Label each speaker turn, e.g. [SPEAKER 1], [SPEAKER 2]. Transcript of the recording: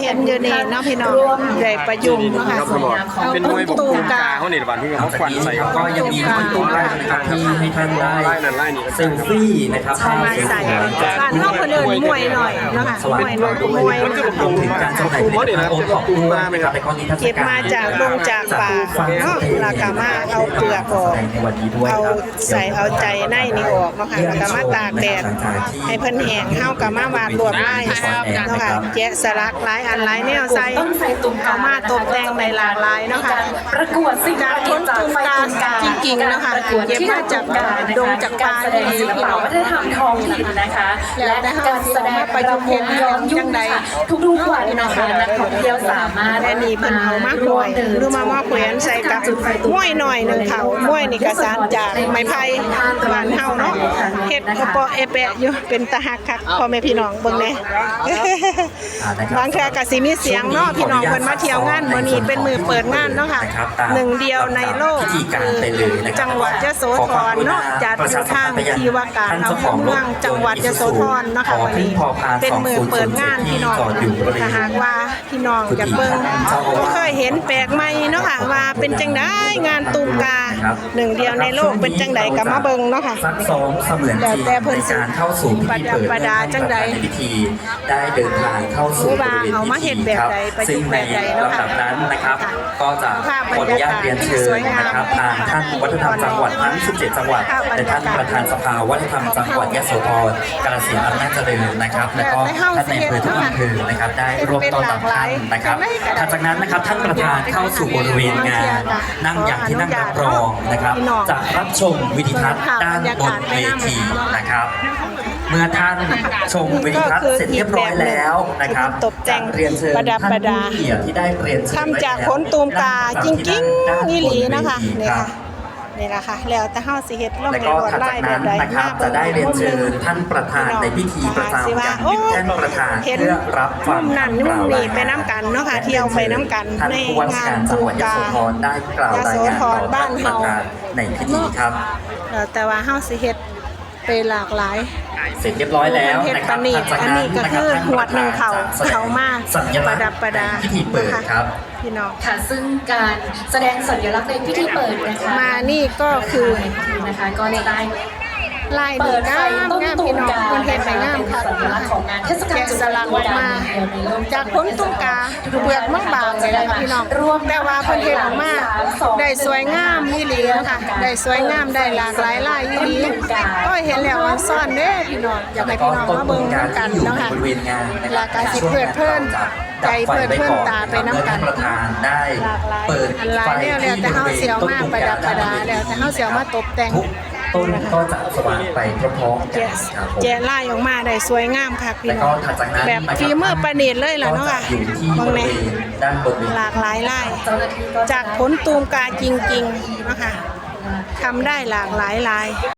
[SPEAKER 1] ห็นอยู่นี่เนาะพี่น้องใหญ่ประยุงเนาะค่ะเอา
[SPEAKER 2] เป็นมวยบก
[SPEAKER 1] ตู
[SPEAKER 2] ตู
[SPEAKER 1] ม
[SPEAKER 2] กาก
[SPEAKER 1] า
[SPEAKER 2] เขาเนี่ยวันที่เขาควันใส่
[SPEAKER 3] ก็ยังมีคนตุ้มไล่นะครับที่ให้ท่านได้
[SPEAKER 2] ไล่นั่นไล่นี่
[SPEAKER 3] เซลฟี่นะครับ
[SPEAKER 1] เอามาใส่บ้านนอกคนอื่นมวยหน่อยเนาะค่ะมวยหน่อยมวย
[SPEAKER 3] รวมถึงการจำหน่ายผลิตภัณฑ์โอท็อปด้วยนะครับในกรณีเทศ
[SPEAKER 1] เก็บ
[SPEAKER 3] กาล
[SPEAKER 1] มาจากลงจากป่าเนาะแล้วก็มาเอาเปลือกออก
[SPEAKER 3] ในวันนี้ด้วย
[SPEAKER 1] เอา
[SPEAKER 3] ครับ
[SPEAKER 1] ใส่เอาใจในนี่ออกเนาะค่ะแล้วก็มาตากแดดให้เพิ่นแห้งเฮาก็มาวาดรวดลายเนาะค่ะแกะสลักหลายอันหลายแนวใส่
[SPEAKER 4] ต้นไทรตุ่มกา
[SPEAKER 1] เอามาตกแต่งในหลากหลายเนาะค่ะ
[SPEAKER 4] ประกวดสิ่ง
[SPEAKER 1] จาก
[SPEAKER 4] ประดิ
[SPEAKER 1] ต้
[SPEAKER 4] ษ
[SPEAKER 1] น
[SPEAKER 4] ฐ์จาก
[SPEAKER 1] ตุ่ม
[SPEAKER 4] ไฟ
[SPEAKER 1] กา
[SPEAKER 4] ตุ่มกา
[SPEAKER 1] จริงๆเนาะค่ะ
[SPEAKER 4] ประกวด
[SPEAKER 1] เก็บ
[SPEAKER 4] ที่
[SPEAKER 1] มาจากดงจากป่า
[SPEAKER 4] การแสดงศิลปะวัฒนธรรมท้องถิ่นนะคะ
[SPEAKER 1] และ
[SPEAKER 4] และการแสดงประยุกต์ย้อนยุคค่ะทุกๆวันนะคะนักท่องเที่ยวสามารถ
[SPEAKER 1] และนี่เพิ่นเอามาหน่อยหรือมาแขวนใส่กับม้วยหน่อยหนึงเขาม้วยนี่ก็สานจากไม้ไผ่บ้านเฮาเนาะเฮ็ดกระเปาะเอแปะอยู่เป็นตาหักคักพ่อแม่พี่น้องเบิ่งแหน่บางเทื่อก็สิมีเสียงเนาะพี่น้องเพิ่นมาเที่ยวงานมื้อนี้เป็นมื้อเปิดงานเนาะค่ะหนึ่งเดียวในโลกคือจังหวัดยโสธรเนาะจัดอยู่ทางที่ว่าการอำเภอเมืองจังหวัดยโสธรเนาะค่ะวันนี้เป็นมื้อเปิดงานพี่น้องถ้าหากว่าพี่น้องอยากเบิ่งก็เคยเห็นแปลกใหม่เนาะค่ะว่าเป็นจังได๋งานตูมกาหนึ่งเดียวในโลกเป็นจังได๋ก็มาเบิ่งเนาะค่ะ
[SPEAKER 3] ซักซ้อมเสมือนจริงในการเข้าสู่พิธีเปิด
[SPEAKER 1] ประดาจังใด
[SPEAKER 3] ในพิธีได้เดินทางเข้าสู่บริเวณ
[SPEAKER 1] เอามาเฮ็ดแบบใดประยุ
[SPEAKER 3] ซึ่ง
[SPEAKER 1] กต์
[SPEAKER 3] ใน
[SPEAKER 1] แบบใดเนาะค่ะ
[SPEAKER 3] ลำดับนั้นนะครับ
[SPEAKER 1] ค่ะ
[SPEAKER 3] ก็จะขออนุญาตเรียนเชิญนะครับทางท่านวัฒนธรรมจังหวัดทั้ง 17 จังหวัดและท่านประธานสภาวัฒนธรรมจังหวัดยโสธรกาฬสินธุ์อำนาจเจริญนะครับแล้วก็ท่านในอำเภอทุกอำเภอนะครับได้ร่วมต้อนรับท่านนะครับถัดจากนั้นนะครับท่านประธานเข้าสู่บริเวณงานนั่งอย่างที่นั่งรับรองนะครับจะรับชมวิดีทัศน์ด้านบนเวทีนะครับ เมื่อท่านชมวิดีทัศน์เสร็จเรียบร้อยแล้วนะครับ
[SPEAKER 1] ตกแต่ง
[SPEAKER 3] เรียนเชิญ
[SPEAKER 1] ประดับประดา
[SPEAKER 3] ท่านผู้เกียรติที่ได้เรียนเชิญ
[SPEAKER 1] ทำจากขนตูมกาจริงๆนี่หลีนะคะนี่ค่ะนี่แหละค่ะแล้วแต่เฮาสิเฮ็ดลง
[SPEAKER 3] แล้ว
[SPEAKER 1] ใน
[SPEAKER 3] ก็
[SPEAKER 1] ลวด
[SPEAKER 3] ถัด
[SPEAKER 1] ลา
[SPEAKER 3] จาย ก
[SPEAKER 1] แบ
[SPEAKER 3] นั้
[SPEAKER 1] บ
[SPEAKER 3] น
[SPEAKER 1] ใด
[SPEAKER 3] นะครับจะได้เรียนเชิญท่านประธานในพิธีประจำอย่างยิ่งท่านประธานเพื่อรับฟัง
[SPEAKER 1] มุมนั่นมุมนี้ไปน้ำกันเนาะค่ะเที่ยวไปน้ำกัน
[SPEAKER 3] ท่าน
[SPEAKER 1] ใน
[SPEAKER 3] ผู้ว่าราช
[SPEAKER 1] งาน
[SPEAKER 3] การจั
[SPEAKER 1] ตู
[SPEAKER 3] งห
[SPEAKER 1] ม
[SPEAKER 3] วัดย
[SPEAKER 1] กา
[SPEAKER 3] โสธรได้กล่าวรายงานต่อ
[SPEAKER 1] บ้า
[SPEAKER 3] ท่าน นประ
[SPEAKER 1] เฮา
[SPEAKER 3] ธานในพิธีครับ
[SPEAKER 1] แล้วแต่ว่าเฮาสิเฮ็ดไปหลากหลาย
[SPEAKER 3] เสร็จเรียบร้อยแล้วนะครับ
[SPEAKER 1] เฮ็ดปานนี้
[SPEAKER 3] ถัดจากนั้น
[SPEAKER 1] อันนี้ก็คือหวดหนึ่งเขา
[SPEAKER 3] ท่นประธนจะแสดง
[SPEAKER 1] เขามา
[SPEAKER 3] สัญลักษณ์
[SPEAKER 1] ประดับประดา
[SPEAKER 3] ในพิธีเปิดครับ
[SPEAKER 1] พี่น้อง
[SPEAKER 4] ค่ะซึ่งการแสดงสัญลักษณ์ในพิธีเปิดนะคะ
[SPEAKER 1] มานี่ก็คือ
[SPEAKER 4] นะคะก็จะได้
[SPEAKER 1] ลาย
[SPEAKER 4] เปิ
[SPEAKER 1] ดี
[SPEAKER 4] ดไฟ
[SPEAKER 1] งาม
[SPEAKER 4] ต้น
[SPEAKER 1] งาม
[SPEAKER 4] ตู
[SPEAKER 1] พี่
[SPEAKER 4] ม
[SPEAKER 1] น้อง
[SPEAKER 4] กา
[SPEAKER 1] มันเฮ็ดไปงามค่ะ
[SPEAKER 4] สัญลักษณ์ของงานเทศกาล
[SPEAKER 1] แกะสลักออกมาจากผลตุ้มกาเปลือกบางๆเลยนะคะพี่น้องแต่ว่าเพิ่นเฮ็ดออกมาได้สวยงามอีหลีนะคะได้สวยงามได้หลากหลายลายอีหลีก็เห็นแล้วว่าซ่อนเด้อพี่น้องอยากให้พี่น้องมาเบิ่งนำกันเนาะค่ะ
[SPEAKER 3] บริเวณงานนะค
[SPEAKER 1] แล้
[SPEAKER 3] รั
[SPEAKER 1] วก็สิเพลิดเพลินใจเพลิดเพลินตาไปน้ำกัน
[SPEAKER 3] ท่านประธานได้เปิด
[SPEAKER 1] อันหลายแนวแล้วแต่เฮาเสียวมากประดับประดาแล้วแต่เฮาเสียวมาตกแต่ง
[SPEAKER 3] ทุกต้นก็จะสว่างไปพร้อมๆกัน
[SPEAKER 1] แกะ
[SPEAKER 3] ครับผม
[SPEAKER 1] แกะลายออกมาได้สวยงามค่ะพี่
[SPEAKER 3] แล้ว
[SPEAKER 1] น้
[SPEAKER 3] ก็
[SPEAKER 1] อง
[SPEAKER 3] ถัดจากนั้น
[SPEAKER 1] แบบ
[SPEAKER 3] นะครับ
[SPEAKER 1] ฝีมือประณีตเลยล่ะเนาะค่ะ
[SPEAKER 3] ก็จอยู่ที่
[SPEAKER 1] เบิ่ง
[SPEAKER 3] บ
[SPEAKER 1] แห
[SPEAKER 3] ริ
[SPEAKER 1] น่
[SPEAKER 3] เวณด้านบนเวที
[SPEAKER 1] หลากหลายลาย
[SPEAKER 4] เจ้าหน้าที่ก็จะ
[SPEAKER 1] จากผลตูมกาจริงๆนะคะทำได้หลากหลายลาย